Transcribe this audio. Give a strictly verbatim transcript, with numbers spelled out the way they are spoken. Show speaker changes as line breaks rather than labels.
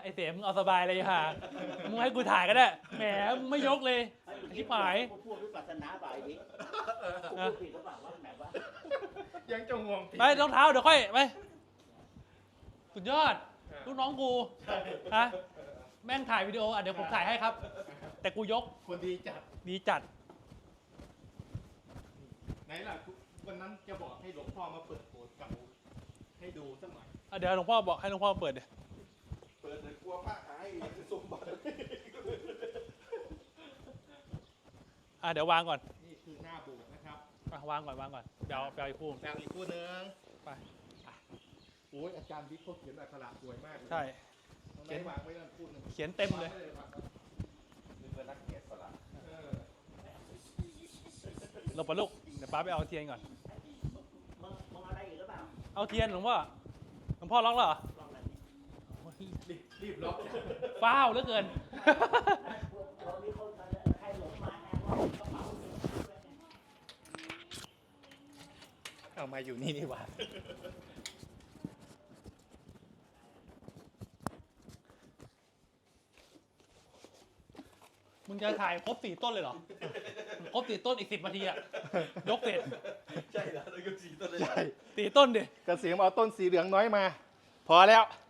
ไอเสมมึงเอาสบายเลยค่ะมึงให้กูถ่ายก็ได้แหมมึงไม่ยกเลยชิบหาย
พูดวิปัสสนาบ่ายนี้พูดผิดหรือเปล่าว่าแบบว่า
ยังจะงง
ไปรองเท้าเดี๋ยวค่อยไปสุดยอดลูกน้องกูฮะแม่งถ่ายวิดีโออ่ะเดี๋ยวผมถ่ายให้ครับ แต่กูยก
คนดีจัด
ดีจัด
ไหนล่ะวันนั้นจะบอกให้หลวงพ่อมาเปิดโบสถ์เก่าให้ดูสักหน่อย
อ่ะเดี๋ยวหลวงพ่อบอกให้หลวงพ่อเปิดเดี๋ยว
เปิดเลยกลัวพระหายสมบัติ
อ่ะเดี๋ยววางก่อน
นี่คือหน้าโบสถ์นะครับ
อ่ะวางก่อนวางก่อนเดี๋ยวเอาไปเอาอีกคู่
แปลอีกคู่หนึง
ไป
โอ้ยอาจารย์บิ๊กเขาเขียนอักขระสวยมากเลย
ใช่
เขียนวางไว้นั่นคู่หนึง
เขียนเต็มเลย
นี่เป็นนักเขียนสลัก
หลบไปลูกเดี๋ยวป้าไปเอาเทียนก่อน
มึงมึงอะไรอีกหรือเปล่า
เอาเทียนหลวงพ่อหลวงพ่อล็อกแล้วเหรอ
ลองอะไร
รีบรีบล็อก
ฟ้าวเหลือเกิน
เรามีคนใครหลงมาแน่ว่ากระเป๋า
เอามาอยู่นี่นี่หว่า
มึงจะถ่ายครบสี่ต้นเลยเหรอ ครบสี่ต้นอีกสิบนาทีอะยกเสร็จ
ใช่แล้วแล้วก็สีต้นเลย
สี่ต้นดิ
กระเสียมเอาต้นสีเหลืองน้อยมา พอแล้ว